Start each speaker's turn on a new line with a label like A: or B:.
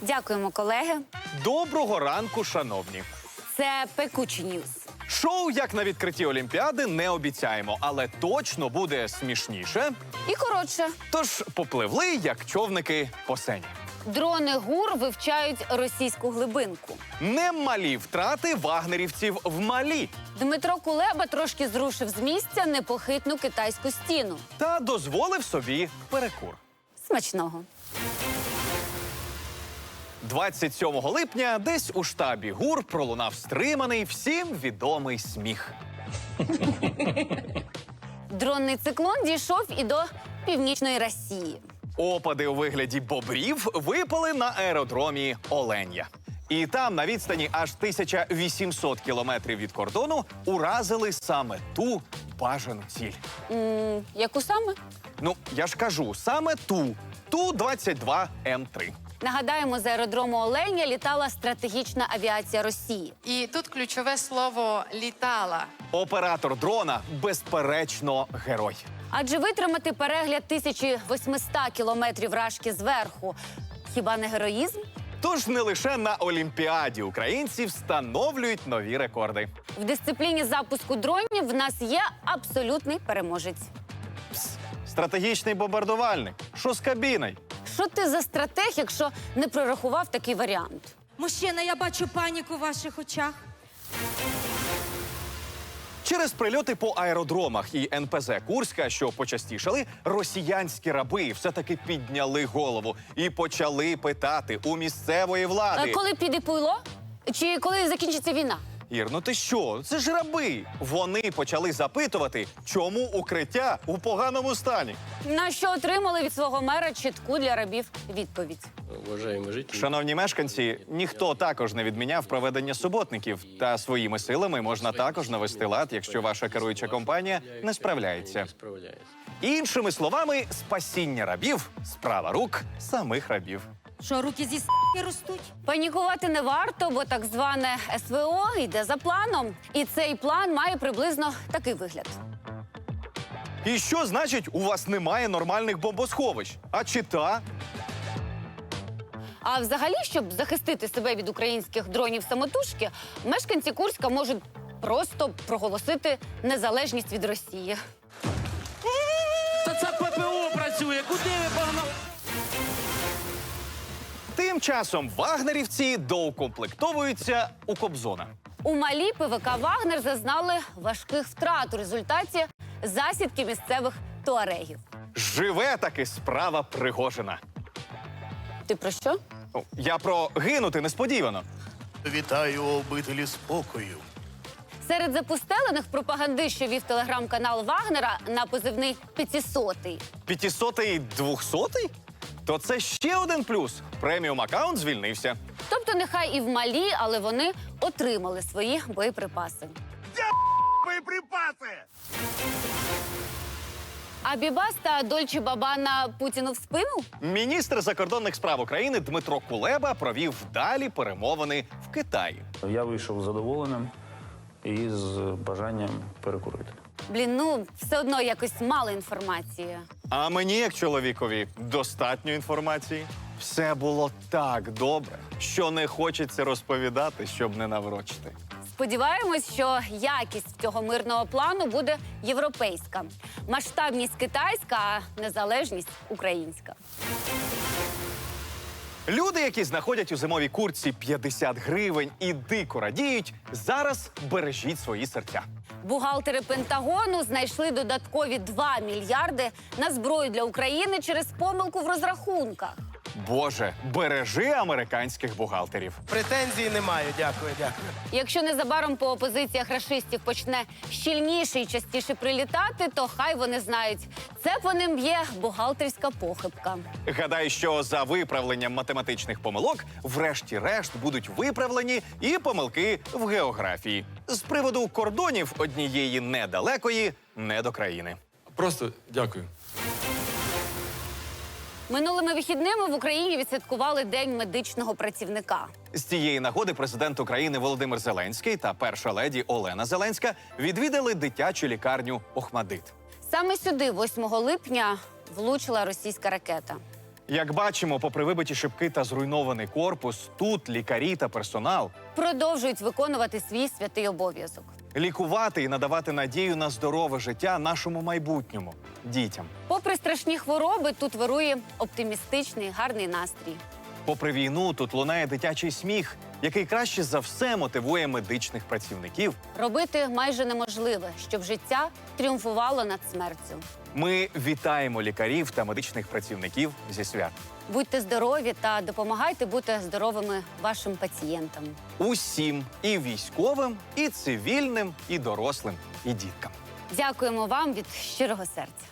A: Дякуємо, колеги.
B: Доброго ранку, шановні.
A: Це Пекучі Ньюс.
B: Шоу, як на відкритті Олімпіади, не обіцяємо, але точно буде смішніше.
A: І коротше.
B: Тож попливли, як човники по сені.
A: Дрони ГУР вивчають російську глибинку.
B: Немалі втрати вагнерівців в Малі.
A: Дмитро Кулеба трошки зрушив з місця непохитну китайську стіну.
B: Та дозволив собі перекур.
A: Смачного.
B: 27 липня десь у штабі ГУР пролунав стриманий, всім відомий сміх.
A: Дронний циклон дійшов і до Північної Росії.
B: Опади у вигляді бобрів випали на аеродромі Оленя. І там, на відстані аж 1800 кілометрів від кордону, уразили саме ту бажану ціль.
A: Яку саме?
B: Ну, я ж кажу, саме ту. Ту-22М3.
A: Нагадаємо, з аеродрому Оленя літала стратегічна авіація Росії.
C: І тут ключове слово «літала».
B: Оператор дрона, безперечно, герой.
A: Адже витримати перегляд 1800 кілометрів рашки зверху – хіба не героїзм?
B: Тож не лише на Олімпіаді українці встановлюють нові рекорди.
A: В дисципліні запуску дронів в нас є абсолютний переможець.
B: Стратегічний бомбардувальник. Що з кабіною?
A: Що ти за стратег, якщо не прорахував такий варіант?
D: Мужчина, я бачу паніку в ваших очах.
B: Через прильоти по аеродромах і НПЗ Курська, що почастішали, росіянські раби все-таки підняли голову і почали питати у місцевої влади.
A: Коли піде пуйло? Чи коли закінчиться війна?
B: Ір, ну ти що? Це ж раби. Вони почали запитувати, чому укриття у поганому стані.
A: На що отримали від свого мера чітку для рабів відповідь.
E: Уважаемые жители,
B: Шановні мешканці, ніхто також не відміняв проведення суботників. Та своїми силами можна також навести лад, якщо ваша керуюча компанія не справляється.
E: не справляется.
B: Іншими словами, спасіння рабів – справа рук самих рабів.
D: Що, руки зі с**ки ростуть?
A: Панікувати не варто, бо так зване СВО йде за планом. І цей план має приблизно такий вигляд.
B: І що значить, у вас немає нормальних бомбосховищ? А чита?
A: А взагалі, щоб захистити себе від українських дронів самотужки, мешканці Курська можуть просто проголосити незалежність від Росії.
F: Та це ППО працює, куди ви погнали?
B: Тим часом вагнерівці доукомплектовуються у Кобзона.
A: У Малі ПВК «Вагнер» зазнали важких втрат у результаті засідки місцевих туарегів.
B: Живе таки справа Пригожина.
A: Ти про що?
B: Ну, я про гинути несподівано.
G: Вітаю обителі спокою.
A: Серед запустелених пропаганди, що вів телеграм-канал «Вагнера» на позивний «500-й».
B: 500-й 200-й? То це ще один плюс. Преміум-аккаунт звільнився.
A: Тобто нехай і в Малі, але вони отримали свої боєприпаси.
G: Боєприпаси!
A: А Бібас та Дольче Бабана Путіну в спину?
B: Міністр закордонних справ України Дмитро Кулеба провів вдалі перемовини в Китаї.
H: Я вийшов задоволеним і з бажанням перекурити.
A: Блін, ну все одно якось мало інформації.
B: А мені, як чоловікові, достатньо інформації. Все було так добре, що не хочеться розповідати, щоб не наврочити.
A: Сподіваємось, що якість цього мирного плану буде європейська. Масштабність китайська, а незалежність українська.
B: Люди, які знаходять у зимовій куртці 50 гривень і дико радіють, зараз бережіть свої серця.
A: Бухгалтери Пентагону знайшли додаткові 2 мільярди на зброю для України через помилку в розрахунках.
B: Боже, бережи американських бухгалтерів.
G: Претензій немає, дякую.
A: Якщо незабаром по опозиціях рашистів почне щільніше і частіше прилітати, то хай вони знають, це по ним є бухгалтерська похибка.
B: Гадаю, що за виправленням математичних помилок врешті-решт будуть виправлені і помилки в географії. З приводу кордонів однієї недалекої недокраїни.
E: Просто дякую.
A: Минулими вихідними в Україні відсвяткували День медичного працівника.
B: З цієї нагоди президент України Володимир Зеленський та перша леді Олена Зеленська відвідали дитячу лікарню «Охмадит».
A: Саме сюди, 8 липня, влучила російська ракета.
B: Як бачимо, попри вибиті шибки та зруйнований корпус, тут лікарі та персонал
A: Продовжують виконувати свій святий обов'язок.
B: лікувати і надавати надію на здорове життя нашому майбутньому дітям.
A: Попри страшні хвороби, тут вирує оптимістичний, гарний настрій.
B: Попри війну, тут лунає дитячий сміх, який краще за все мотивує медичних працівників.
A: Робити майже неможливе, щоб життя тріумфувало над смертю.
B: Ми вітаємо лікарів та медичних працівників зі свят.
A: Будьте здорові та допомагайте бути здоровими вашим пацієнтам.
B: Усім і військовим, і цивільним, і дорослим, і діткам.
A: Дякуємо вам від щирого серця.